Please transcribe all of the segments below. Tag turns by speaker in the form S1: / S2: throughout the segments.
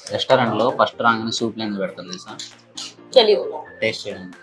S1: Restaurant లో first రాగానే soup Lenz పెడతారు తెలుసా?
S2: తెలీదు.
S1: టేస్ట్ చేయడానికి.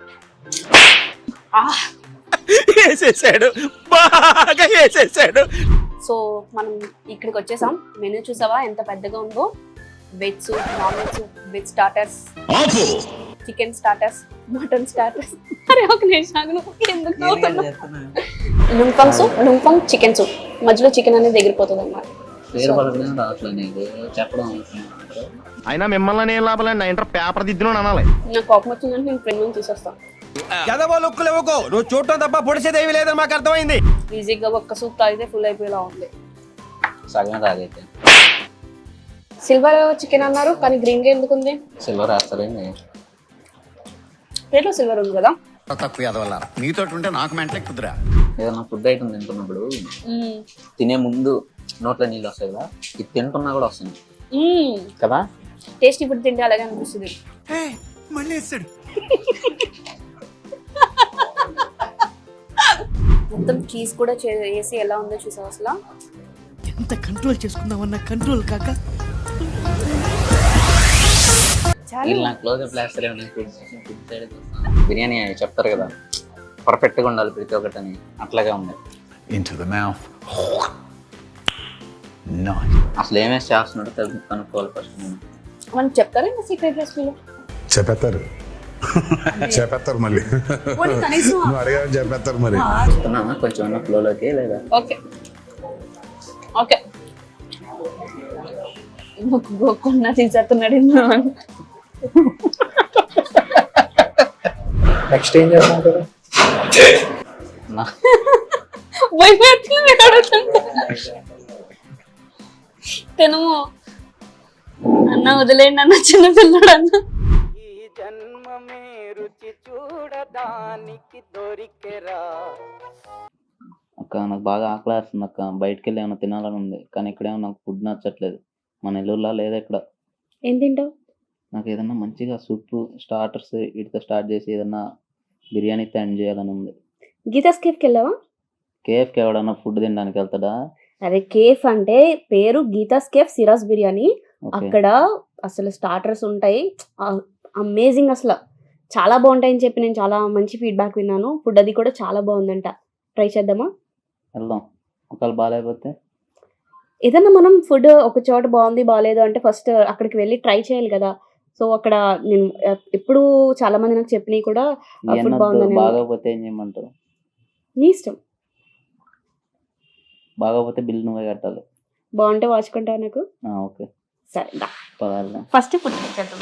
S3: వేసేసాడు, బాగా వేసేసాడు.
S2: సో మనం ఇక్కడికి వచ్చేసాం. మెనూ చూసావా ఎంత పెద్దగా ఉందో? Veg soup, non veg soup, veg starters, chicken starters, mutton starters. అరే ఒక నిమిషం ఎందుకు lung fung soup, lung fung chicken soup. మధ్యలో చికెన్ అనేది ఎగిరిపోతుంది అన్నమాట.
S1: పేరు పలకడం రావట్లేదు నీకు, చెప్పడం అవసరం.
S3: అయినా మిమ్మల్ని ఏం లాభాలండి, నా ఇంటర్ పేపర్ దిద్దును అనాలి.
S2: నాకు కోపం వచ్చిందంటే నేను ఫ్రెండ్ నుంచి తీసేస్తాను.
S3: నువ్వు చూడటం తప్ప పొడిచేదేవి లేదని మాకు అర్థమైంది.
S2: ఈజీగా ఒక్క సూప్ తాగితే ఫుల్ అయిపోయేలా ఉంది.
S1: సగం తాగైతే.
S2: సిల్వర్ చికెన్ అన్నారు కానీ గ్రీన్ గా ఎందుకు ఉంది?
S1: సిల్వర్ వేస్తారండి.
S2: పేర్లో సిల్వర్ ఉంది కదా.
S4: తక్కువ వల్ల నీతో ఉంటే నాకు మెంటలే కుదరా.
S1: ఏదన్నా ఫుడ్ ఐటమ్ తింటున్నప్పుడు తినే ముందు నోట్లో నీళ్ళు వస్తాయి కదా, ఇది తింటున్నా కూడా వస్తుంది కదా.
S2: టేస్టీ ఫుడ్ తింటే అలాగే అనిపిస్తుంది.
S4: మళ్ళీ వేస్తాడు.
S2: మొత్తం చీజ్ కూడా వేసి ఎలా ఉందో చూసావు అసలు.
S5: ఎంత కంట్రోల్ చేసుకుందామన్నా కంట్రోల్ కాక
S1: వీళ్ళు నాకు క్లోజ్అప్ వేస్తారు. బిర్యానీ చెప్తారు కదా పర్ఫెక్ట్ గా ఉండాలి ప్రతి ఒక్కటి అని, అట్లాగే ఉంది.
S4: Into the mouth.
S1: అసలు ఏమేసి చేస్తున్నాడో కనుక్కోవాలి ఫస్ట్.
S2: మనం చెప్తారా ఇంకా సీక్రెట్ రెసిపీలో?
S6: చెప్పేస్తారు మళ్ళీ నువ్వు అడిగా చెప్పేస్తారు మరి.
S1: చెప్తున్నామా కొంచెం ఫ్లోలోకి లేదా?
S2: Okay okay. గోకున్నా తీసేస్తున్నాడు.
S1: నెక్స్ట్ ఏం చేస్తాను
S2: తినము అన్న, వదిలేండి అన్న, చిన్న పిల్లడు అన్న.
S1: అక్క నాకు బాగా ఆకలి వేస్తుంది అక్క, బయటకు వెళ్ళి ఏమైనా తినాలని ఉంది కానీ ఇక్కడేమో నాకు ఫుడ్ నచ్చట్లేదు. మన నెల్లూరులో లేదా ఇక్కడ.
S2: ఏం తింటావు?
S1: నాకు ఏదన్నా మంచిగా సూప్ స్టార్టర్స్ వీటితో స్టార్ట్ చేసి ఏదన్నా బిర్యానీతో ఎండ్ చేయాలని ఉంది.
S2: గీతాస్ కేఫ్కి వెళ్ళావా?
S1: కేఫ్కి ఎవడన్నా ఫుడ్ తినడానికి వెళ్తాడా?
S2: అరే కేఫ్ అంటే పేరు గీతాస్ కేఫ్ సిరాస్ బిర్యానీ. అక్కడ అసలు స్టార్టర్స్ ఉంటాయి, అమేజింగ్, అసలు చాలా బాగుంటాయని చెప్పి నేను చాలా మంచి ఫీడ్బ్యాక్ విన్నాను. ఫుడ్ అది కూడా చాలా బాగుందంట. ట్రై చేద్దామా?
S1: వెళ్దాం. ఒకవేళ బాగాలేకపోతే
S2: ఏదన్నా మనం ఫుడ్ ఒక చోట బాగుంది బాగాలేదు అంటే ఫస్ట్ అక్కడికి వెళ్ళి ట్రై చేయాలి కదా. సో అక్కడ నేను ఎప్పుడు చాలా మంది నాకు చెప్పినవి కూడా ఫుడ్ బాగుందని.
S1: బాగోపోతే ఏం చేయమంటారు?
S2: నీ ఇష్టం.
S1: బాగోపోతే బిల్ నువ్వే కట్టాలి.
S2: బాగుంటే వాచుకుంటావు నాకు.
S1: ఓకే
S2: సరే దా.
S1: పదార్థం
S2: ఫస్ట్ ఫుడ్ చేద్దాం.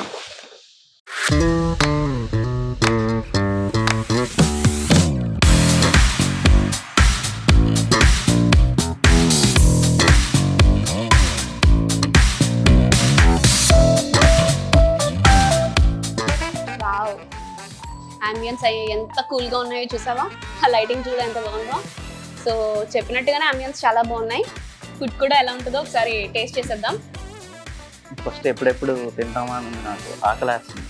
S2: అంబియన్స్ అయ్యి ఎంత కూల్గా ఉన్నాయో చూసావా? ఆ లైటింగ్ చూడ ఎంత బాగుందో. సో చెప్పినట్టుగానే అంబియన్స్ చాలా బాగున్నాయి. ఫుడ్ కూడా ఎలా ఉంటుందో ఒకసారి టేస్ట్ చేసేద్దాం.
S1: ఫస్ట్ ఎప్పుడెప్పుడు తింటామా అని నాకు ఆకలి వేస్తుంది.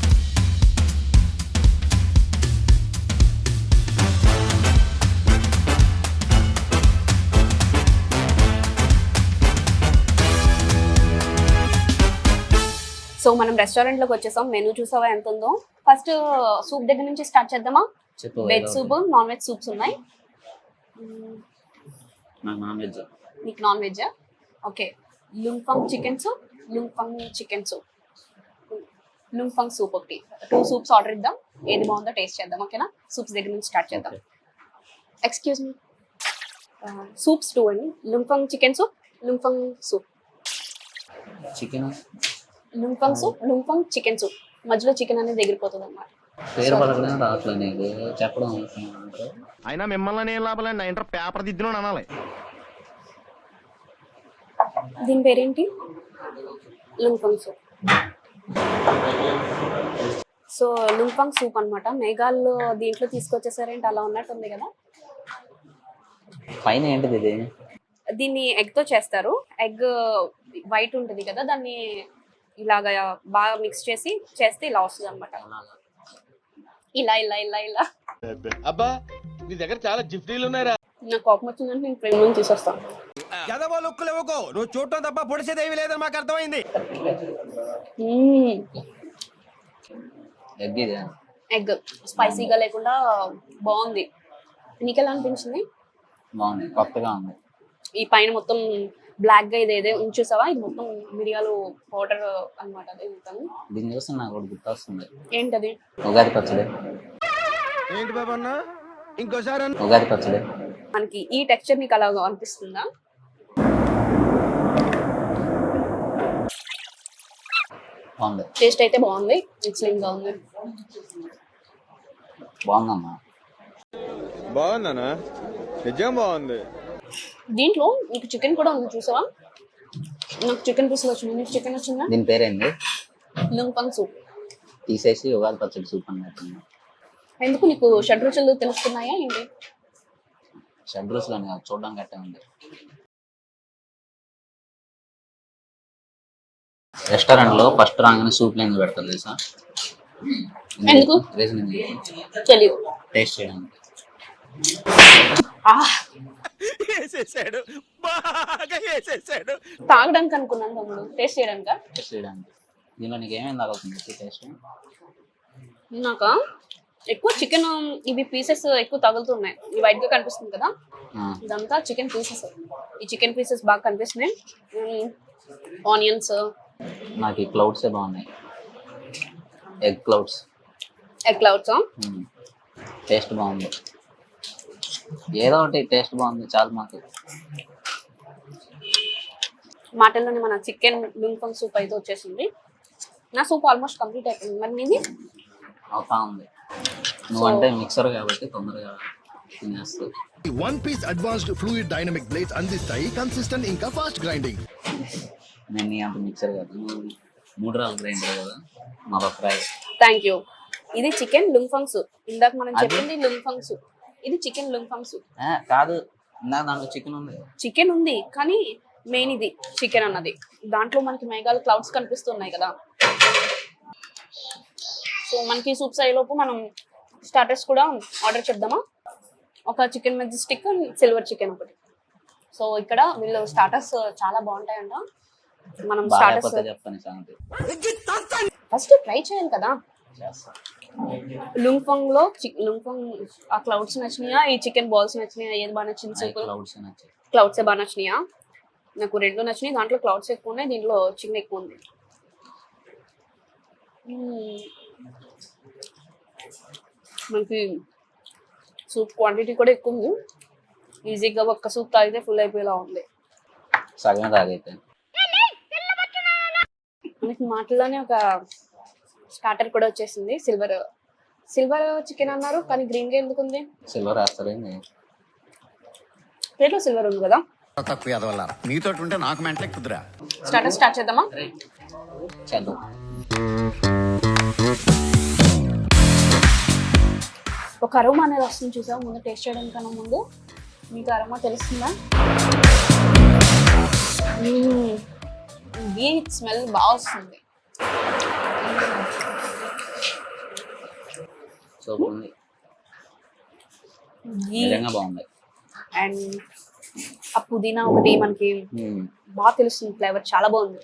S2: సో మనం రెస్టారెంట్లోకి వచ్చేసాం. మెనూ చూసావా ఎంత ఉందో? ఫస్ట్ సూప్ దగ్గర నుంచి స్టార్ట్ చేద్దామా? Veg soup, non veg soups ఉన్నాయి.
S1: Non veg.
S2: నీకు non veg? Okay. Lung fung chicken soup, lung fung chicken soup, lung fung soup ఒకటి, 2 సూప్స్ ఆర్డర్ ఇద్దాం. ఏది బాగుందో టేస్ట్ చేద్దాం. ఓకేనా? సూప్స్ దగ్గర నుంచి స్టార్ట్ చేద్దాం. ఎక్స్క్యూజ్ మీ, సూప్స్ 2 అండి. Lung fung chicken soup, lung fung soup.
S1: Chicken
S2: lung fung soup, lung fung chicken soup. మధ్యలో చికెన్ అనేది ఎగిరిపోతుంది అన్నమాట.
S1: పేరు పలకడం రావట్లేదు నీకు, చెప్పడం అవసరం.
S3: అయినా మిమ్మల్ని ఏం లాభాలండి, నా ఇంటర్ పేపర్ దిద్దును అనాలి.
S2: దీని పేరేంటి? Lung fung soup. So lung fung soup అన్నమాట. మేఘాల్లో దీంట్లో తీసుకొచ్చేసారేంటి, అలా ఉన్నట్టుంది కదా.
S1: పైన ఏంటిది ఇది?
S2: దీన్ని ఎగ్ తో చేస్తారు. ఎగ్ వైట్ ఉంటుంది కదా, దాన్ని ఇలాగా బాగా మిక్స్ చేసి చేస్తే ఇలా వస్తుంది అనమాట. ఇలా ఇలా ఇలా ఇలా.
S3: అబ్బా నీ దగ్గర చాలా జిఫ్టీలు ఉన్నాయరా.
S2: నాకు కోపం వచ్చిందంటే నేను ఫ్రెండ్ నుంచి తీసేస్తాను.
S3: ఎదవో లుక్కులు ఇవ్వకు నువ్వు చూడటం తప్ప పొడిచేదేవి లేదని మాకు అర్థమైంది.
S1: ఎగ్ ఇది
S2: ఎగ్ స్పైసీగా లేకుండా బాగుంది. నీకు ఎలా అనిపించింది?
S1: బాగుంది, కొత్తగా ఉంది.
S2: ఈ పైన మొత్తం బ్లాక్ గా ఇదేదే ఉంచేసావా? ఇది మొత్తం మిరియాలు పౌడర్ అన్నమాట. అదే మొత్తం
S1: దీన్ని చూస్తే నాకు ఒకటి గుర్తొస్తుంది.
S2: ఏంటది?
S1: ఉగాది పచ్చడి.
S3: ఏంటి బాబు అన్న ఇంకోసారి
S1: ఉగాది పచ్చడి.
S2: మనకి ఈ టెక్స్చర్ నీకు అలా అనిపిస్తుందా?
S1: బాగుంది,
S2: టేస్ట్ అయితే బాగుంది, ఎక్సలెంట్ గా ఉంది.
S1: బాగుందమ్మా.
S3: బాగుందన్నా, నిజం బాగుంది.
S2: దీంట్లో నీకు చికెన్ కూడా ఉంది చూసావా? నాకు చికెన్ పీసులు వచ్చింది, నీకు చికెన్ వచ్చిందా?
S1: దీని పేరేంటి?
S2: Lung fung soup.
S1: తీసేసి ఉగాది పచ్చడి సూప్ అన్నట్టు.
S2: ఎందుకు నీకు షడ్రుచులు తెలుస్తున్నాయా ఏంటి?
S1: షడ్రూస్లో చూడడానికి గట్టే ఉంది. రెస్టారెంట్ లో ఫస్ట్ రాగానే సూప్ లేని పెడతారు తెలుసా?
S2: ఎందుకు?
S1: రీజన్
S2: తెలియదు.
S1: టేస్ట్ చేయడానికి.
S3: వేసేసాడు, బాగా వేసేసాడు.
S2: తాగడానికి అనుకున్నాను తమ్ముడు, టేస్ట్ చేయడానికా?
S1: టేస్ట్ చేయడానికి. దీనిలో నీకు ఏమేమి తగులుతుంది టేస్ట్?
S2: నాకా ఎక్కువ చికెన్ ఇవి పీసెస్ ఎక్కువ తగులుతున్నాయి. ఈ వైట్ గా కనిపిస్తుంది కదా, ఇదంతా చికెన్ పీసెస్. ఈ చికెన్ పీసెస్ బాగా కనిపిస్తున్నాయి. ఆనియన్స్.
S1: నాకు ఈ క్లౌడ్సే బాగున్నాయి, egg clouds.
S2: Egg clouds
S1: taste బాగుంది, ఏదో ఒకటి టేస్ట్ బాగుంది చాలు మాకు.
S2: మాటల్లోనే మన చికెన్ లుంపంగ్ సూప్ అయితే వచ్చేసింది. నా సూప్ ఆల్మోస్ట్ కంప్లీట్ అయిపోయింది. మరి నీది?
S1: అవుతా ఉంది. నువ్వంటే మిక్సర్ కాబట్టి తొందరగా తినేస్తావు.
S7: One piece advanced fluid dynamic blades అందిస్తాయి కన్సిస్టెంట్ ఇంకా ఫాస్ట్ గ్రైండింగ్.
S1: నేను నీ అంత మిక్సర్ కాదు, 3 రాళ్ళ గ్రైండర్ కదా మా ఫ్రై.
S2: Thank you. ఇది చికెన్ లుంపంగ్ సూప్. ఇందాక మనం చెప్పింది లుంపంగ్ సూప్, ఇది చికెన్ లుంపంగ్ సూప్.
S1: కాదు, ఇందాక దాంట్లో చికెన్ ఉంది.
S2: చికెన్ ఉంది కానీ మెయిన్ ఇది చికెన్ అన్నది. దాంట్లో మనకి మేఘాలు క్లౌడ్స్ కనిపిస్తున్నాయి కదా. సో మనకి సూప్స్ అయ్యేలోపు మనం స్టార్టర్స్ కూడా ఆర్డర్ చేద్దామా? ఒక చికెన్ మెజెస్టిక్, సిల్వర్ చికెన్ ఒకటి. సో ఇక్కడ వీళ్ళు స్టార్టర్స్ చాలా బాగుంటాయంట. మనం స్టార్టర్స్
S1: చెప్తాను సంగతి.
S2: ఫస్ట్ ట్రై చేయాలి కదా. లుంపంగ్ లో లుంపంగ్ ఆ క్లౌడ్స్ నచ్చినాయా, ఈ చికెన్ బాల్స్ నచ్చినాయా? ఏది బాగా నచ్చింది? సూప్ క్లౌడ్స్ బాగా నచ్చినాయా? నాకు 2 నచ్చినాయి. దాంట్లో క్లౌడ్స్ ఎక్కువ ఉన్నాయి, దీంట్లో చికెన్ ఎక్కువ ఉంది. మనకి సూప్ క్వాంటిటీ కూడా ఎక్కువ ఉంది. ఈజీగా ఒక్క సూప్ తాగితే ఫుల్ అయిపోయేలా ఉంది.
S1: సగం తాగైతే
S2: మనకి మాటల్లోనే ఒక స్టార్టర్ కూడా వచ్చేసింది. సిల్వర్ చికెన్ అన్నారు కానీ గ్రీన్ గా ఎందుకు ఉంది?
S1: సిల్వర్ వేస్తారేంది?
S2: ప్లేట్లో సిల్వర్ ఉంది కదా.
S4: తక్కువ ఎదవల్ల నీతో ఉంటే నాకు మెంటలే కుదురా.
S2: స్టార్టర్ స్టార్ట్ చేద్దామా?
S1: చేద్దాం.
S2: ఒక అరోమా అనేది వస్తుంది చూసాం ముందు టేస్ట్ చేయడానికన్నా ముందు. మీకు అరోమా తెలుస్తుందా? ఘీ స్మెల్ బాగా వస్తుంది.
S1: సూపర్ ఉంది,
S2: ఘీ
S1: నిజంగా బాగుంది.
S2: అండ్ ఆ పుదీనా ఒకటి మనకి బాగా తెలుస్తుంది, ఫ్లేవర్ చాలా బాగుంది.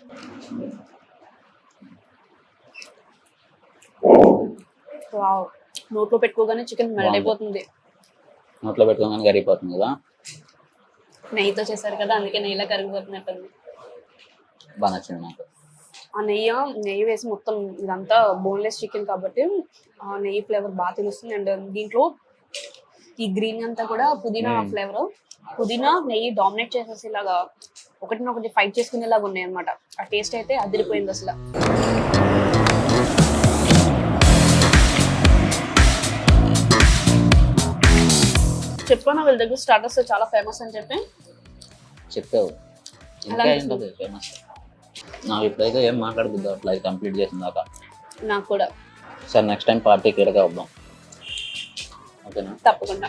S2: వావ్, నోట్లో పెట్టుకోగానే చికెన్ మెల్ట్ అయిపోతుంది.
S1: నోట్లో పెట్టుకోగానే కరిగిపోతుంది కదా.
S2: నెయ్యితో చేశారు కదా, అందుకే నెయ్యిలా కరిగిపోతున్నట్టుంది.
S1: బాగా నచ్చింది నాకు.
S2: ఆ నెయ్యి వేసి మొత్తం ఇదంతా బోన్లెస్ చికెన్ కాబట్టి ఆ నెయ్యి ఫ్లేవర్ బాగా తెలుస్తుంది. అండ్ దీంట్లో ఈ గ్రీన్ అంతా కూడా పుదీనా ఫ్లేవర్. పుదీనా నెయ్యి డామినేట్ చేసేసి ఇలాగా ఒకటినొకటి ఫైట్ చేసుకునేలాగా ఉన్నాయి అనమాట. ఆ టేస్ట్ అయితే అదిరిపోయింది అసలు. చెప్పాను వీళ్ళ దగ్గర స్టార్టర్స్ చాలా ఫేమస్ అని చెప్పి.
S1: చెప్పావు, ఇంకా ఏంటది ఫేమస్? నాకు ఇప్పుడైతే ఏం మాట్లాడుతుంది అట్లా, అది కంప్లీట్ చేసిన దాకా.
S2: నాకు కూడా.
S1: సార్ నెక్స్ట్ టైం పార్టీ క్లియర్గా వద్దాం, ఓకేనా?
S2: తప్పకుండా.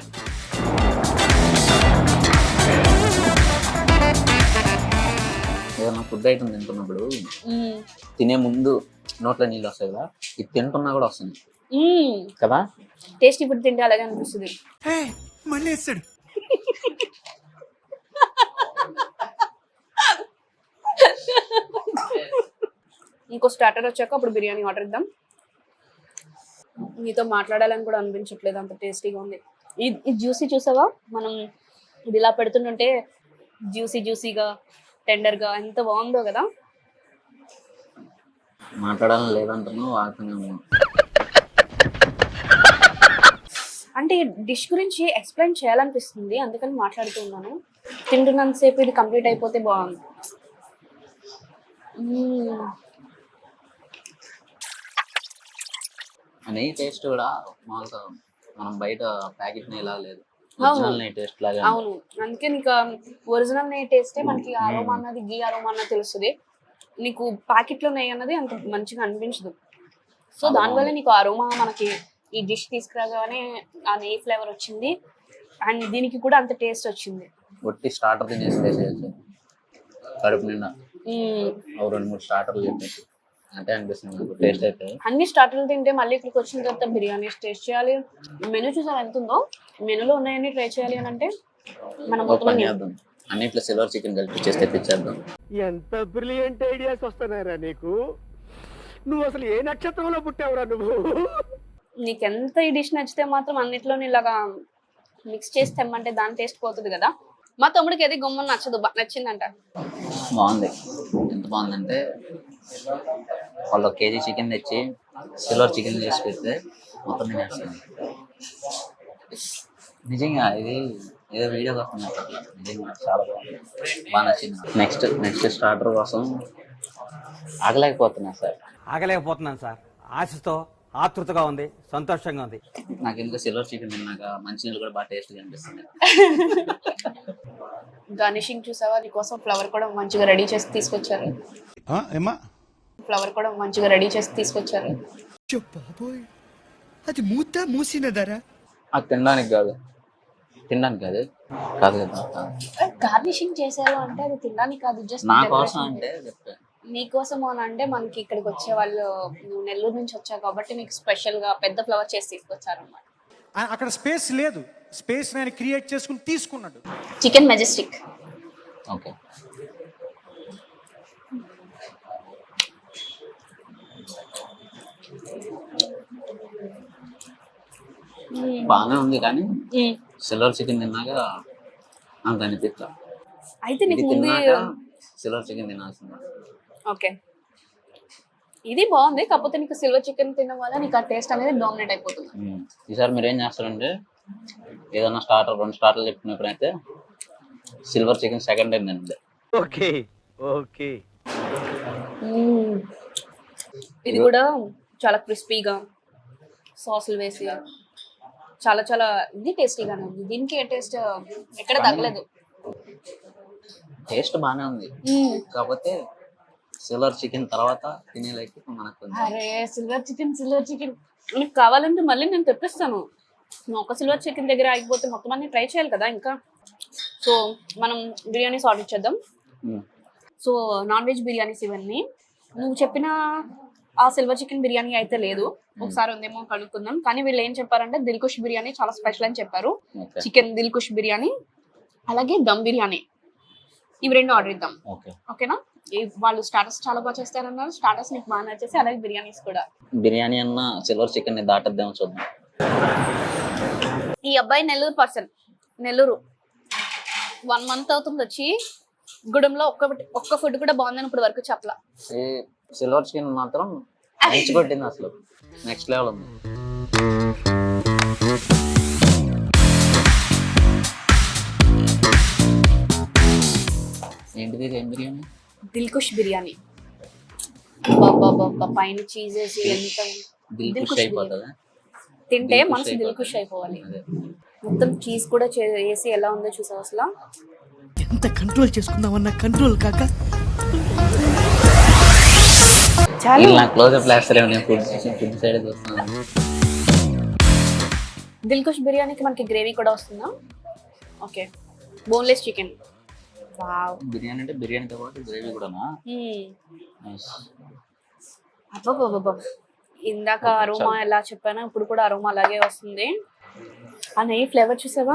S1: ఏదన్నా ఫుడ్ ఐటమ్ తింటున్నప్పుడు తినే ముందు నోట్లో నీళ్ళు వస్తాయి కదా, ఇది తింటున్నా కూడా వస్తుంది కదా.
S2: టేస్టీ ఫుడ్ తింటే అలాగే అనిపిస్తుంది.
S3: మళ్ళీ వేసాడు.
S2: ఇంకో స్టార్టర్ వచ్చాక అప్పుడు బిర్యానీ ఆర్డర్ ఇద్దాం. నీతో మాట్లాడాలని కూడా అనిపించట్లేదు, అంత టేస్టీగా ఉంది. ఇది జ్యూసీ చూసావా, మనం ఇది ఇలా పెడుతుంటే జ్యూసీగా టెండర్గా ఎంత బాగుందో కదా.
S1: మాట్లాడాలని లేదంటున్నావు, వాడుతూనే ఉన్నావు.
S2: అంటే డిష్ గురించి ఎక్స్ప్లెయిన్ చేయాలనిపిస్తుంది, అందుకని మాట్లాడుతూ ఉన్నాను. తింటున్నంతసేపు ఇది కంప్లీట్ అయిపోతే బాగుంది.
S1: నెయ్యి టేస్ట్ కూడా మామూలుగా మనం బయట ప్యాకెట్ నెయ్యి లాగా లేదు, ఒరిజినల్ నెయ్యి టేస్ట్ లాగా.
S2: అవును, అందుకే నీకు ఒరిజినల్ నెయ్యి టేస్టే మనకి అరోమా అన్నది, గీ అరోమా అన్నది తెలుస్తుంది. నీకు ప్యాకెట్లో నెయ్యి అన్నది అంత మంచిగా అనిపించదు. సో దానివల్ల నీకు అరోమా మనకి ఈ డిష్ తీసుకురాగానే ఆ నెయ్యి ఫ్లేవర్ వచ్చింది, అండ్ దీనికి కూడా అంత టేస్ట్ వచ్చింది.
S1: ఒట్టి స్టార్టర్ తినేసి వేసేయచ్చు కడుపు నిండా. 2-3 స్టార్టర్లు చెప్పేసి అంటే అనిపిస్తుంది నాకు టేస్ట్ అయితే.
S2: అన్ని స్టార్టర్లు తింటే మళ్ళీ ఇక్కడికి వచ్చిన తర్వాత బిర్యానీ టేస్ట్ చేయాలి. మెనూ చూసారు ఎంత ఉందో, మెనూలో ఉన్నాయని ట్రై చేయాలి అని అంటే మనం మొత్తం
S1: చేద్దాం, అన్నిట్లో సిల్వర్ చికెన్ కలిపి చేసి తెప్పించేద్దాం.
S8: ఎంత బ్రిలియంట్ ఐడియాస్ వస్తున్నారా నీకు? నువ్వు అసలు ఏ నక్షత్రంలో పుట్టావురా నువ్వు?
S2: నీకెంత ఈ డిష్ నచ్చితే మాత్రం అన్నిట్లోని ఇలాగా మిక్స్ చేసి తెమ్మంటే దాని టేస్ట్ పోతుంది కదా. మా తమ్ముడికి అది గుమ్మని నచ్చదు, నచ్చిందంట.
S1: బాగుంది, ఎంత బాగుందంటే వాళ్ళు 1 కేజీ చికెన్ తెచ్చి సిల్వర్ చికెన్ చేసి పెడితే మొత్తం తినేస్తాను. నిజంగా ఇది ఏదో వీడియో కోసం నిజంగా చాలా బాగుంది, బాగా నచ్చింది. నెక్స్ట్ స్టార్టర్ కోసం ఆగలేకపోతున్నా సార్.
S9: ఆగలేకపోతున్నాను సార్, ఆశతో ఆతృతగా ఉంది, సంతోషంగా ఉంది.
S1: నాకు ఎందుకు సిల్వర్ చికెన్ తిన్నాక మంచినీళ్ళు కూడా బాగా టేస్ట్గా అనిపిస్తుంది.
S2: గార్నిషింగ్ చూసావా, నీకోసం ఫ్లవర్ కూడా మంచిగా రెడీ చేసి తీసుకొచ్చారు. ఫ్లవర్ కూడా మంచిగా రెడీ చేసి తీసుకొచ్చారు.
S5: అది మూసినదరా?
S1: అది తినడానికి కాదు కాదు కదా.
S2: గార్నిషింగ్ చేశారు అంటే అది తినడానికి కాదు, జస్ట్
S1: నా కోసం అంటే చెప్పాను.
S2: నీకోసం అని అంటే మనకి ఇక్కడికి వచ్చే వాళ్ళు, నువ్వు నెల్లూరు నుంచి వచ్చావు కాబట్టి నీకు స్పెషల్ గా పెద్ద ఫ్లవర్ చేసి తీసుకొచ్చారు అన్నమాట.
S10: అక్కడ స్పేస్ లేదు, స్పేస్ నేను క్రియేట్ చేసుకుని తీసుకున్నాడు.
S2: Chicken Majestic.
S1: ఓకే, బాగానే ఉంది కానీ సిల్వర్ చికెన్ తిన్నాక అంత అనిపిస్తా.
S2: అయితే నీకు
S1: తిన్నాక సిల్వర్ చికెన్ తినాల్సింది.
S2: ఓకే, ఇది బాగుంది, కాకపోతే నీకు సిల్వర్ చికెన్ తినడం వల్ల నీకు ఆ టేస్ట్ అనేది డామినేట్ అయిపోతుంది.
S1: ఈసారి మీరు ఏం చేస్తారంటే ఏదైనా 2 స్టార్టర్లు చెప్పినప్పుడైతే సిల్వర్ చికెన్ సెకండ్ టైం తినండి.
S8: Okay okay.
S2: ఇది కూడా చాలా క్రిస్పీగా సాసులు వేసి చాలా చాలా ఇది టేస్టీగానే ఉంది. దీనికి ఏ టేస్ట్ ఎక్కడ తగ్గలేదు,
S1: టేస్ట్ బాగానే ఉంది. కాకపోతే సిల్వర్ చికెన్ తర్వాత తినేలకి మనకు
S2: అరే సిల్వర్ చికెన్ నీకు కావాలంటే మళ్ళీ నేను తెప్పిస్తాను. నువ్వు ఒక సిల్వర్ చికెన్ దగ్గర ఆగిపోతే మొత్తం అన్ని ట్రై చేయాలి కదా ఇంకా. సో మనం బిర్యానీస్ ఆర్డర్ చేద్దాం. సో నాన్ వెజ్ బిర్యానీస్ ఇవన్నీ. నువ్వు చెప్పిన ఆ సిల్వర్ చికెన్ బిర్యానీ అయితే లేదు, ఒకసారి ఉందేమో కనుక్కుందాం. కానీ వీళ్ళు ఏం చెప్పారంటే దిల్కుష్ బిర్యానీ చాలా స్పెషల్ అని చెప్పారు. చికెన్ దిల్కుష్ బిర్యానీ అలాగే దమ్ బిర్యానీ, ఇవి 2 ఆర్డర్ ఇద్దాం. ఓకేనా? వాళ్ళు స్టార్టర్స్ చాలా బాగా చేస్తారన్నారు, స్టార్టర్స్ నీకు బాగా నచ్చేసి, అలాగే బిర్యానీస్ కూడా.
S1: బిర్యానీ అన్న సిల్వర్ చికెన్ ని దాటద్దామో చూద్దాం.
S2: ఈ అబ్బాయి నెల్లూరు పర్సన్, నెల్లూరు 1 మంత్ అవుతుంది వచ్చి. గుడంలో ఒక్క ఫుడ్ కూడా బాగుందని ఇప్పుడు వరకు చెప్పలా.
S1: సిల్వర్ చికెన్ మాత్రం మంచి కొట్టింది, అసలు నెక్స్ట్ లెవెల్ ఉంది. ఏంటిది? ఏం బిర్యానీ?
S2: దిల్కుష్ బిర్యానీ. పైన చీజ్ వేసి ఎంత
S1: దిల్కుష్ అయిపోతుందా?
S2: తింటే మనసు దిల్కుష్ అయిపోవాలి. మొత్తం చీజ్ కూడా వేసి ఎలా ఉందో చూసావు అసలు.
S5: ఎంత కంట్రోల్ చేసుకుందామన్న కంట్రోల్ కాక
S1: క్లోజ్అప్ ఫుడ్ సైడ్ చూస్తున్నాను.
S2: దిల్కుష్ బిర్యానీకి మనకి గ్రేవీ కూడా వస్తుందా? Okay, boneless chicken. Wow,
S1: biryani అంటే బిర్యానీతో పాటు గ్రేవీ కూడానా?
S2: అబ్బబ్బబ్బబ్బ, ఇందాక అరోమా ఎలా చెప్పానో ఇప్పుడు కూడా అరోమా అలాగే వస్తుంది. ఆ నెయ్యి ఫ్లేవర్ చూసావా?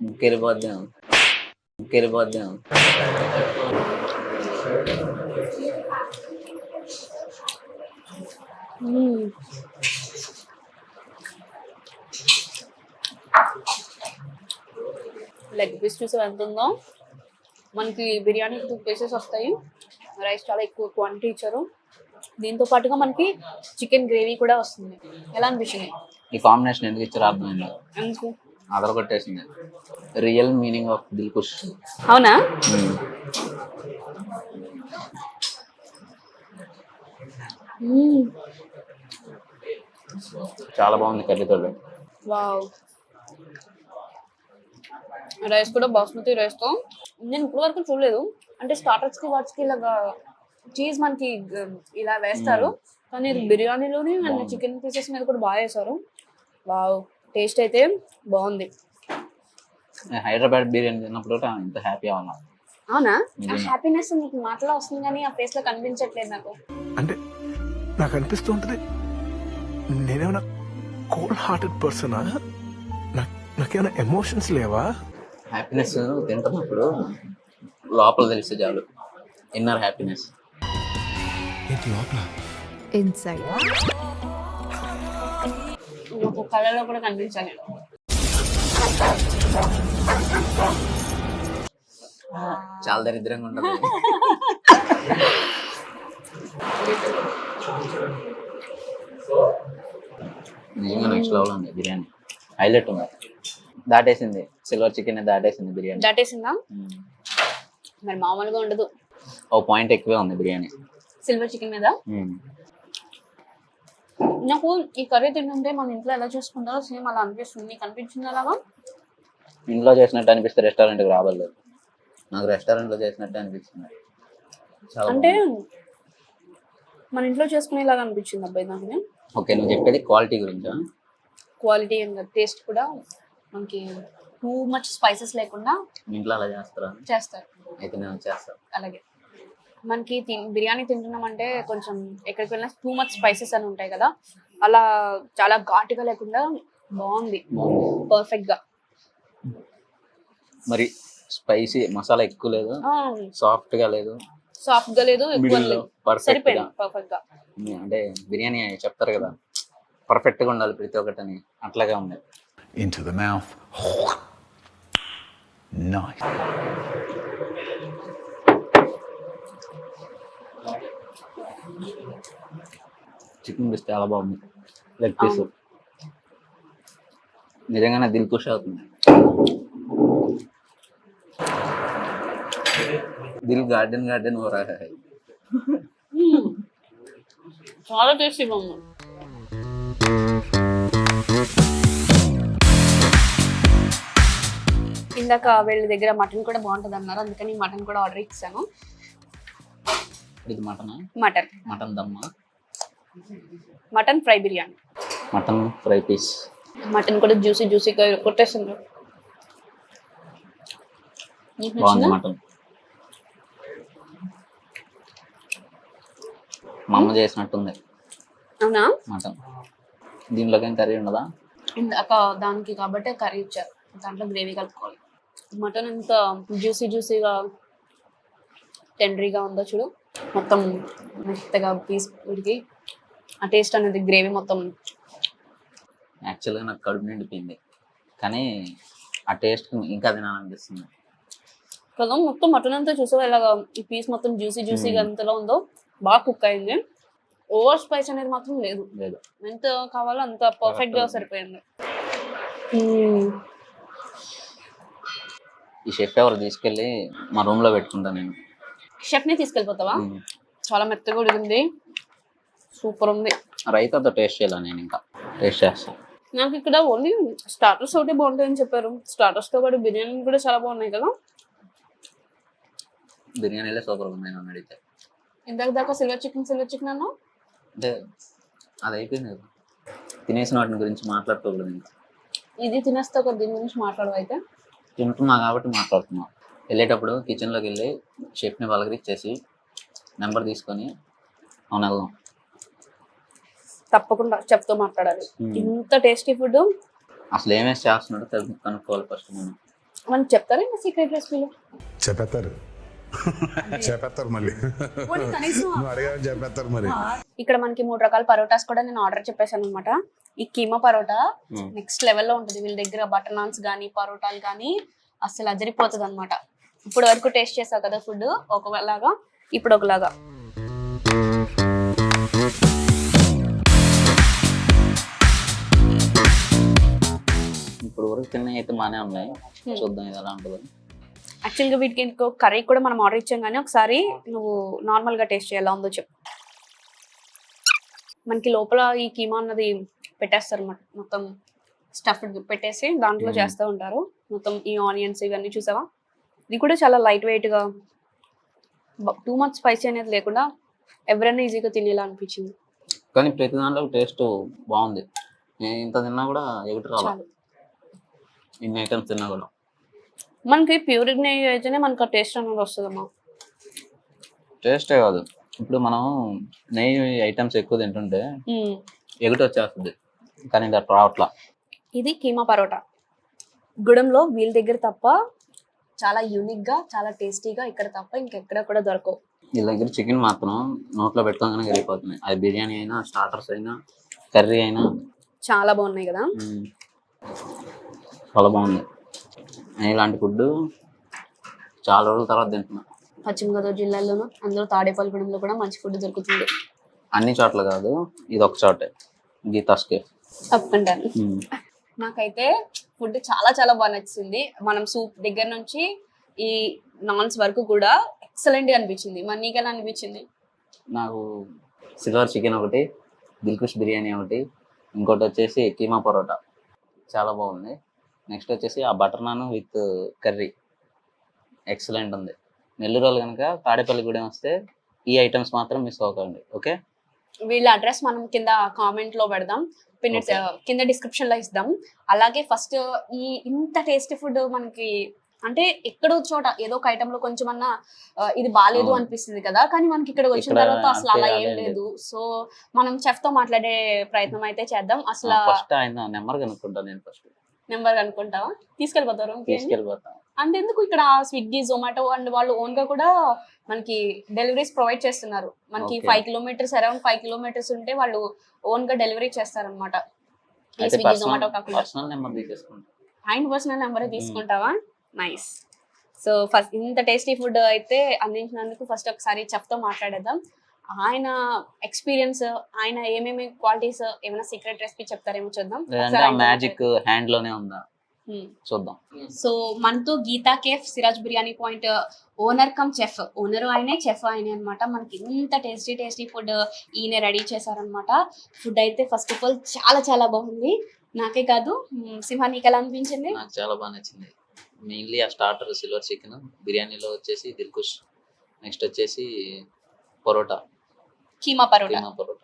S1: ముక్కెళ్ళిపోద్దాం.
S2: లెగ్ పీస్ చూసి ఎంత ఉందో. మనకి బిర్యానీ 2 పీసెస్ వస్తాయి. రైస్ చాలా ఎక్కువ క్వాంటిటీ ఇచ్చారు. దీంతో పాటుగా మనకి చికెన్ గ్రేవీ కూడా వస్తుంది. ఎలా అనిపించింది?
S1: ఈ కాంబినేషన్ ఎందుకు ఇచ్చారో అర్థమైంది.
S2: ఎందుకు?
S1: అదర కొట్టేసింది. Real meaning of Dilkush.
S2: అవునా?
S1: చాలా బాగుంది కర్రీతో.
S2: వావ్. రైస్ కూడా బాస్మతి రైస్తో. నేను ఇప్పుడు వరకు చూడలేదు. అంటే స్టార్టర్స్కి వాటికి ఇలాగా చీజ్ మనకి ఇలా వేస్తారు, కానీ బిర్యానీలోనే అండ్ చికెన్ పీసెస్ మీద కూడా బాగా వేశారు. వావ్, టేస్ట్ అయితే బాగుంది.
S1: హైదరాబాద్ బిర్యానీ తిన్నప్పుడు ఇంత హ్యాపీ అవ్వాలి.
S2: అవునా? ఆ హ్యాపీనెస్ నీకు మాటలో వస్తుంది కానీ ఆ ఫేస్ లో కనిపించట్లేదు నాకు.
S7: అంటే నాకు అనిపిస్తూ ఉంటుంది నేనేమైనా కోల్డ్ హార్టెడ్ పర్సనా, నాకేమైనా ఎమోషన్స్ లేవా?
S1: హ్యాపీనెస్ తింటున్నప్పుడు లోపల తెలిస్తే చాలు. Inner happiness.
S7: ఏంటి లోపల?
S2: ఇన్సైడ్ ఒక కళలో కూడా కనిపించాలి.
S1: చాలా దరిద్రంగా ఉండదు. నిజంగా నెక్స్ట్ లెవెల్ ఉంది బిర్యానీ. హైలైట్ ఉంది. దాటేసింది. సిల్వర్ చికెన్ దాటేసింది బిర్యానీ.
S2: దాటేసిందా? మరి మామూలుగా ఉండదు.
S1: ఓ పాయింట్ ఎక్కువే ఉంది బిర్యానీ
S2: సిల్వర్ చికెన్ మీద. నాకు ఈ కర్రీ తింటుంటే మన ఇంట్లో ఎలా చేసుకుంటారో సేమ్ అలా అనిపిస్తుంది. నీకు అనిపించింది అలాగా?
S1: ఇంట్లో చేసినట్టు అనిపిస్తే రెస్టారెంట్కి రావాలి. నాకు రెస్టారెంట్లో చేసినట్టు అనిపిస్తుంది.
S2: అంటే మన ఇంట్లో చేసుకునేలాగా అనిపించింది అబ్బాయి నాకు.
S1: ఓకే, నువ్వు చెప్పేది క్వాలిటీ గురించా?
S2: క్వాలిటీ అండ్ టేస్ట్ కూడా మనకి టూ మచ్ స్పైసెస్ లేకుండా
S1: ఇంట్లో అలా చేస్తారా?
S2: చేస్తారు.
S1: అయితే నేను చేస్తాను
S2: అలాగే. మనకి బిర్యానీ తింటున్నామంటే కొంచెం ఎక్కడికి వెళ్ళినా టూ మచ్ స్పైసెస్ అని ఉంటాయి కదా, అలా చాలా ఘాటుగా లేకుండా బాగుంది, పర్ఫెక్ట్ గా.
S1: మరి స్పైసీ మసాలా ఎక్కువ లేదు, సాఫ్ట్ గా లేదు,
S2: ఎక్కువ లేదు, సరిపోయింది పర్ఫెక్ట్ గా.
S1: అంటే బిర్యానీ చెప్తారు కదా పర్ఫెక్ట్ గా ఉండాలి ప్రతి ఒక్కటి అని, అట్లాగే ఉంది.
S4: Into the mouth. Nice.
S1: Chicken piece చాలా బాగుంది. లెగ్ పీస్ నిజంగానే దిల్ ఖుష్ అవుతుంది. దిల్ గార్డెన్ हो रहा है.
S2: చాలా టేస్టీగా ఉంది. ఇందాక వీళ్ళ దగ్గర మటన్ కూడా బాగుంటుంది అన్నారు, అందుకని మటన్ కూడా ఆర్డర్ ఇచ్చాను.
S1: ఇది మటన్ దమ్మా,
S2: mutton fry biryani,
S1: mutton fry piece.
S2: Mutton కూడా జ్యూసీగా కొట్టేసింది.
S1: బాగుంది మటన్. మా అమ్మ చేసినట్టుంది.
S2: అవునా?
S1: మటన్ దీనిలోకి ఏం కర్రీ ఉండదా?
S2: ఇందాక దానికి కాబట్టి కర్రీ ఇచ్చారు, దాంట్లో గ్రేవీ కలుపుకోవాలి. మటన్ ఎంత జ్యూసీగా టెండరీగా ఉందో చూడు, మొత్తం మెత్తగా పీస్ ఉడికి ఆ టేస్ట్ అనేది గ్రేవీ మొత్తం.
S1: యాక్చువల్గా నాకు కడుపు నిండిపోయింది, కానీ ఆ టేస్ట్ ఇంకా తినాలనిపిస్తుంది
S2: కదా. మొత్తం మటన్ అంతా చూసావా ఇలాగా ఈ పీస్ మొత్తం జ్యూసీగా ఎంతలో ఉందో, బాగా కుక్ అయింది. ఓవర్ స్పైస్ అనేది మాత్రం లేదు, ఎంత కావాలో అంత పర్ఫెక్ట్ గా సరిపోయింది.
S1: ఈ షెఫ్ ఎవరు తీసుకెళ్ళి మా రూమ్ లో పెట్టుకుంటా నేను.
S2: షెఫ్ ని తీసుకెళ్ళిపోతావా? చాలా మెత్తగా ఉడికింది, సూపర్ ఉంది.
S1: రైతాతో టేస్ట్ చేయాలి, నేను ఇంకా టేస్ట్ చేస్తాను.
S2: నాకు ఇక్కడ ఓన్లీ స్టార్టర్స్ ఒకటి బాగుంటాయని చెప్పారు. స్టార్టర్స్ తో పాటు బిర్యానీ కూడా చాలా బాగున్నాయి కదా.
S1: బిర్యానీలే సూపర్ ఉన్నాయి నన్ను అడిగితే.
S2: ఇందాక దాకా సిల్వర్ చికెన్ అన్నా,
S1: అంటే అది అయిపోయింది కదా, తినేసిన వాటిని గురించి మాట్లాడుకోకూడదు ఇంకా.
S2: ఇది తినేస్తా ఒక దీని గురించి మాట్లాడవైతే.
S1: తింటున్నా కాబట్టి మాట్లాడుతున్నా. వెళ్ళేటప్పుడు కిచెన్లోకి వెళ్ళి షెఫ్ని పలకరిచ్చేసి నెంబర్ తీసుకొని అవును వెళ్దాం.
S2: తప్పకుండా చెప్తూ మాట్లాడాలి. ఇంత టేస్టీ ఫుడ్
S1: అసలు ఏమేసి చేస్తున్నాడో కనుక్కోవాలి ఫస్ట్ మనం.
S2: మనకి చెప్తారా సీక్రెట్ రెసిపీలు?
S6: చెప్పేస్తారు చెప్పేస్తారు మళ్ళీ
S2: పోనీ కనీసం
S6: నువ్వు అడిగావని చెప్పేస్తారు మరి.
S2: ఇక్కడ మనకి 3 రకాల పరోటాస్ కూడా నేను ఆర్డర్ చెప్పేశాను అనమాట. ఈ కీమా పరోటా నెక్స్ట్ లెవెల్లో ఉంటుంది వీళ్ళ దగ్గర. బటర్ నాన్స్ కానీ పరోటాలు కానీ అసలు అదిరిపోతుంది అనమాట. ఇప్పుడు వరకు టేస్ట్ చేసావు కదా ఫుడ్, ఒకలాగా ఇప్పుడు ఒకలాగా.
S1: ఇప్పుడు వరకు తిన్న అయితే బాగానే ఉన్నాయి, చూద్దాం ఇది ఎలా ఉంటుందో.
S2: యాక్చువల్గా వీటికి ఇంకో కర్రీ కూడా మనం ఆర్డర్ ఇచ్చాం, కానీ ఒకసారి నువ్వు నార్మల్గా టేస్ట్ చేయాలా ఉందో చెప్పు. మనకి లోపల ఈ కీమా అన్నది పెట్టేస్తారు అన్నమాట, మొత్తం స్టఫ్డ్ పెట్టేసి దాంట్లో చేస్తూ ఉంటారు. మొత్తం ఈ ఆనియన్స్ ఇవన్నీ చూసావా. ఇది కూడా చాలా లైట్ వెయిట్గా, టూ మచ్ స్పైసీ అనేది లేకుండా ఎవరైనా ఈజీగా తినేలా అనిపించింది.
S1: కానీ ప్రతి దాంట్లో టేస్ట్ బాగుంది. నేను ఇంత తిన్నా కూడా ఎగుటి రావాలి, ఇన్ని ఐటమ్స్ తిన్నా కూడా.
S2: మనకి ప్యూర్ నెయ్యి అయితేనే మనకు ఆ టేస్ట్ అనేది వస్తుందమ్మా.
S1: టేస్టే కాదు, ఇప్పుడు మనం నెయ్యి ఐటమ్స్ ఎక్కువ తింటుంటే ఎగుటి వచ్చేస్తుంది, కానీ ఇది అట్లా రావట్లా.
S2: ఇది కీమా పరోటా గుడంలో వీళ్ళ దగ్గర తప్ప, చాలా యూనిక్గా చాలా టేస్టీగా ఇక్కడ తప్ప ఇంకెక్కడ కూడా దొరకవు.
S1: వీళ్ళ దగ్గర చికెన్ మాత్రం నోట్లో పెట్టుకోగానే వెళ్ళిపోతున్నాయి. అది బిర్యానీ అయినా, స్టార్టర్స్ అయినా, కర్రీ అయినా
S2: చాలా బాగున్నాయి కదా.
S1: చాలా బాగుంది. నేను ఇలాంటి ఫుడ్ చాలా రోజుల తర్వాత తింటున్నా.
S2: పశ్చిమ గోదావరి జిల్లాలోనూ అందులో తాడేపల్లిగూడెంలో కూడా మంచి ఫుడ్ దొరుకుతుంది.
S1: అన్ని చోట్ల కాదు, ఇది ఒక చోటే, గీతాస్ కేఫ్.
S2: తప్పకుండాను. నాకైతే ఫుడ్ చాలా చాలా బాగా నచ్చింది. మనం సూప్ దగ్గర నుంచి ఈ నాన్స్ వరకు కూడా ఎక్సలెంట్ గా అనిపించింది. మరి నీకు ఎలా అనిపించింది?
S1: నాకు సిల్వర్ చికెన్ ఒకటి, దిల్కుష్ బిర్యానీ ఒకటి, ఇంకోటి వచ్చేసి కీమా పరోటా చాలా బాగుంది. నెక్స్ట్ వచ్చేసి ఆ butter naan with curry excellent ఉంది. నెల్లూరు వాళ్ళు కనుక తాడేపల్లిగూడెం వస్తే ఈ ఐటమ్స్ మాత్రం మిస్ అవ్వకండి. ఓకే,
S2: వీళ్ళ అడ్రస్ మనం కింద కామెంట్ లో పెడదాం, కింద డిస్క్రిప్షన్ లో ఇద్దాం. అలాగే ఫస్ట్ ఈ ఇంత టేస్టీ ఫుడ్ మనకి అంటే ఎక్కడో చోట ఏదో ఒక ఐటమ్ లో కొంచెం అన్నా ఇది బాగాలేదు అనిపిస్తుంది కదా, కానీ మనకి ఇక్కడ వచ్చిన తర్వాత అసలు అలా ఏం లేదు. సో మనం చెఫ్ తో మాట్లాడే ప్రయత్నం అయితే చేద్దాం. అసలు
S1: ఫస్ట్ ఆయన నెంబర్ కనుక్కుంటాను. నేను ఫస్ట్
S2: నెంబర్ కనుక్కుంటావా? తీసుకెళ్ళిపోతారు? అంతెందుకు, ఇక్కడ స్విగ్గీ, జొమాటో అండ్ వాళ్ళు ఓన్ గా కూడా మనకి డెలివరీస్ ప్రొవైడ్ చేస్తున్నారు. మనకి 5 కిలోమీటర్స్ అరౌండ్ 5 కిలోమీటర్స్ ఉంటే వాళ్ళు ఓన్ గా డెలివరీ చేస్తారనమాట. స్విగ్గీ, జొమాటో కాకుండా ఆయన పర్సనల్ నెంబర్ తీసుకుంటావా? నైస్. సో ఫస్ట్ ఇంత టేస్టీ ఫుడ్ అయితే అందించినందుకు ఫస్ట్ ఒకసారి చెఫ్ తో మాట్లాడేద్దాం. ఆయన ఎక్స్పీరియన్స్, ఆయన ఏమేమి క్వాలిటీస్, ఏమైనా సీక్రెట్ రెసిపీ చెప్తారేమో చూద్దాం.
S1: మ్యాజిక్ హ్యాండ్ లోనే ఉందా చూద్దాం.
S2: సో మనతో Geetha cafe, Siraj biryani point owner come chef, owner ఆయనే, చెఫ్ ఆయనే అనమాట. మనకి ఇంత టేస్టీ ఫుడ్ ఈయన రెడీ చేశారనమాట. ఫుడ్ అయితే ఫస్ట్ ఆఫ్ ఆల్ చాలా చాలా బాగుంది. నాకే కాదు, సింహా నీకు ఎలా అనిపించింది?
S1: నాకు చాలా బాగా నచ్చింది. మెయిన్లీ ఆ స్టార్టర్ సిల్వర్ చికెన్, బిర్యానీలో వచ్చేసి దిల్కుష్, నెక్స్ట్ వచ్చేసి పరోటా, కీమా పరోటా.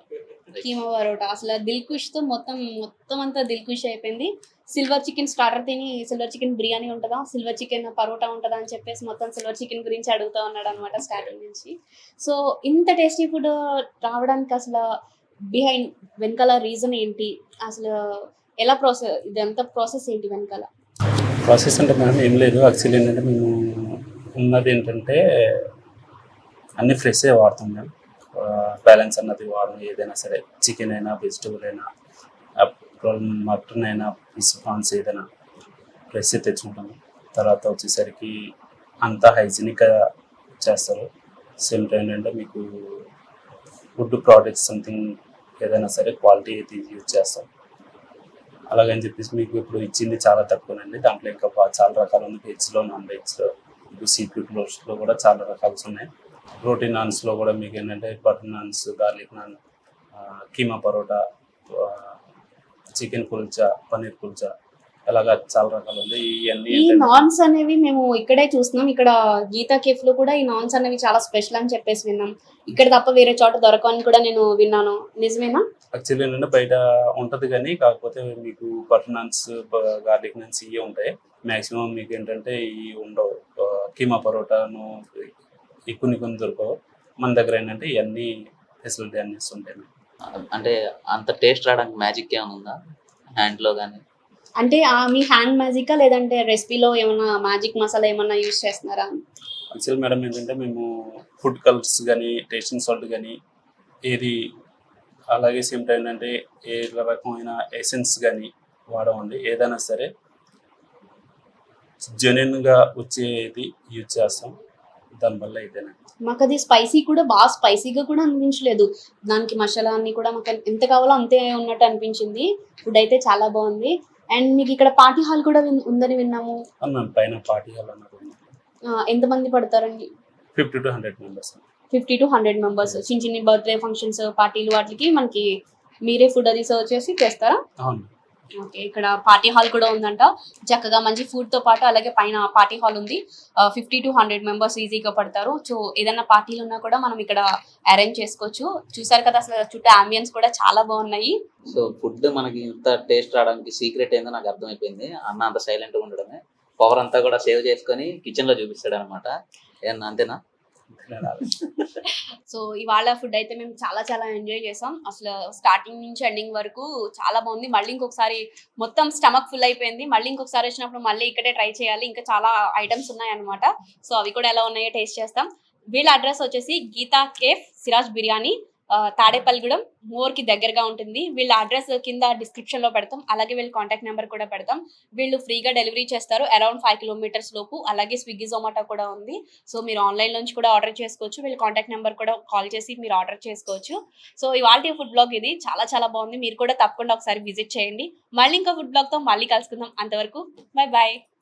S1: అసలు దిల్కుష్ తో మొత్తం అంతా దిల్కుష్ అయిపోయింది. సిల్వర్ చికెన్ స్టార్టర్ తిని సిల్వర్ చికెన్ బిర్యానీ ఉంటుందా, సిల్వర్ చికెన్ పరోటా ఉంటుందా అని చెప్పేసి మొత్తం సిల్వర్ చికెన్ గురించి అడుగుతూ ఉన్నాడు అనమాట స్టార్టింగ్ నుంచి. సో ఇంత టేస్టీ ఫుడ్ రావడానికి అసలు బిహైండ్ వెనకాల రీజన్ ఏంటి, అసలు ఎలా ప్రాసెస్, ఇదంతా ప్రాసెస్ ఏంటి వెనకాల?
S11: ప్రాసెస్ అంటే మేడం ఏం లేదు. యాక్చువల్లీ ఏంటంటే మేము ఉన్నది ఏంటంటే అన్ని ఫ్రెషే వాడుతాం మేము. బ్యాలెన్స్ అన్నది వాడడం, ఏదైనా సరే చికెన్ అయినా, వెజిటబుల్ అయినా, మటన్ అయినా, ఫిష్, ప్రాన్స్ ఏదైనా ఫ్రెష్ తెచ్చుకుంటాము. తర్వాత వచ్చేసరికి అంతా హైజీనిక్గా చేస్తారు. సేమ్ టైం ఏంటంటే మీకు ఫుడ్ ప్రోడక్ట్స్ సంథింగ్ ఏదైనా సరే క్వాలిటీ అయితే యూజ్ చేస్తాం. అలాగని చెప్పేసి మీకు ఇప్పుడు ఇచ్చింది చాలా తక్కువనండి. దాంట్లో ఇంకా చాలా రకాలు ఉంది. వెజ్లో, నాన్ వెజ్లో, ఇప్పుడు సీ ఫుడ్లో కూడా చాలా రకాలు ఉన్నాయి. ప్రోటీన్ నాన్స్లో కూడా మీకు ఏంటంటే butter naans, garlic naan, keema parotta, chicken kulcha, paneer kulcha, అలాగా చాలా రకాలు ఉంది.
S2: ఈ నాన్స్ అనేవి మేము ఇక్కడే చూస్తున్నాం. ఇక్కడ గీతా కేఫ్ లో కూడా ఈ నాన్స్ అనేవి చాలా స్పెషల్ అని చెప్పేసి విన్నాం. ఇక్కడ తప్ప వేరే చోట దొరకని కూడా నేను విన్నాను. నిజమేనా?
S11: యాక్చువల్లీ ఏంటంటే బయట ఉంటుంది, కానీ కాకపోతే మీకు బటర్ నాన్స్, గార్లిక్ నాన్స్ ఇవే ఉంటాయి. మ్యాక్సిమం మీకు ఏంటంటే ఇవి ఉండవు. కీమా పరోటాను కొన్ని దొరకవు. మన దగ్గర ఏంటంటే ఇవన్నీ ఫెసిలిటీ అన్ని ఉంటాయి.
S1: అంటే అంత టేస్ట్ రావడానికి మ్యాజిక్ ఏమైనా ఉందా హ్యాండ్లో కానీ?
S2: అంటే మీ హ్యాండ్ మ్యాజికా లేదంటే రెసిపీలో ఏమైనా మ్యాజిక్ మసాలా ఏమన్నా యూజ్ చేస్తున్నారా?
S11: యాక్చువల్ మేడం ఏంటంటే మేము ఫుడ్ కలర్స్ కానీ టేస్టింగ్ సాల్ట్ కానీ ఏది, అలాగే సేమ్ టైం ఏంటంటే ఏ రకమైన ఎసెన్స్ కానీ వాడమండి. ఏదైనా సరే జెన్యున్గా వచ్చేది యూజ్ చేస్తాం. దానివల్ల ఇదేనండి.
S2: మాకు అది స్పైసీ కూడా బాగా స్పైసీగా కూడా అనిపించలేదు. దానికి మసాలా అన్ని కూడా మాకు ఎంత కావాలో అంతే ఉన్నట్టు అనిపించింది. ఫుడ్ అయితే చాలా బాగుంది. అండ్ మీకు ఇక్కడ పార్టీ హాల్ కూడా ఉందని విన్నాము.
S11: మ్యామ్ పైన పార్టీ హాల్ అన్నది ఉంది.
S2: ఎంతమంది పడతారండి?
S11: 50 to 100 మెంబర్స్.
S2: 50 to 100 members. చిన్న చిన్న బర్త్డే ఫంక్షన్స్, పార్టీలు వాటికి మనకి మీరే ఫుడ్ అది సర్వ్ చేసి చేస్తారా?
S11: అవును.
S2: ఓకే, ఇక్కడ పార్టీ హాల్ కూడా ఉందంట. చక్కగా మంచి ఫుడ్ తో పాటు అలాగే పైన పార్టీ హాల్ ఉంది. 50 to 100 మెంబర్స్ ఈజీగా పడతారు. సో ఏదైనా పార్టీలు ఉన్నా కూడా మనం ఇక్కడ అరేంజ్ చేసుకోవచ్చు. చూసారు కదా, అసలు చుట్టూ అంబియన్స్ కూడా చాలా బాగున్నాయి.
S1: సో ఫుడ్ మనకి ఇంత టేస్ట్ రావడానికి సీక్రెట్ ఏందో నాకు అర్థమైపోయింది. అన్న అంత సైలెంట్ గా ఉండడమే. పవర్ అంతా కూడా సేవ్ చేసుకొని కిచెన్ లో చూపిస్తాడు అనమాట. ఏమన్నా అంతేనా?
S2: సో ఇవాళ ఫుడ్ అయితే మేము చాలా చాలా ఎంజాయ్ చేసాం. అసలు స్టార్టింగ్ నుంచి ఎండింగ్ వరకు చాలా బాగుంది. మళ్ళీ ఇంకొకసారి మొత్తం స్టమక్ ఫుల్ అయిపోయింది. మళ్ళీ ఇంకొకసారి వచ్చినప్పుడు మళ్ళీ ఇక్కడే ట్రై చేయాలి. ఇంకా చాలా ఐటమ్స్ ఉన్నాయి అనమాట. సో అవి కూడా ఎలా ఉన్నాయో టేస్ట్ చేస్తాం. వీళ్ళ అడ్రస్ వచ్చేసి గీతా కేఫ్ సిరాజ్ బిర్యానీ, తాడేపల్లిగూడెం మోర్కి దగ్గరగా ఉంటుంది. వీళ్ళ అడ్రస్ కింద డిస్క్రిప్షన్లో పెడతాం. అలాగే వీళ్ళ కాంటాక్ట్ నెంబర్ కూడా పెడతాం. వీళ్ళు ఫ్రీగా డెలివరీ చేస్తారు అరౌండ్ 5 kilometers లోపు. అలాగే స్విగ్గీ జొమాటో కూడా ఉంది. సో మీరు ఆన్లైన్ నుంచి కూడా ఆర్డర్ చేసుకోవచ్చు. వీళ్ళ కాంటాక్ట్ నెంబర్ కూడా కాల్ చేసి మీరు ఆర్డర్ చేసుకోవచ్చు. సో ఇవాళ ఫుడ్ బ్లాగ్ ఇది చాలా చాలా బాగుంది. మీరు కూడా తప్పకుండా ఒకసారి విజిట్ చేయండి. మళ్ళీ ఇంకా ఫుడ్ బ్లాగ్తో మళ్ళీ కలుసుకుందాం. అంతవరకు బై బాయ్.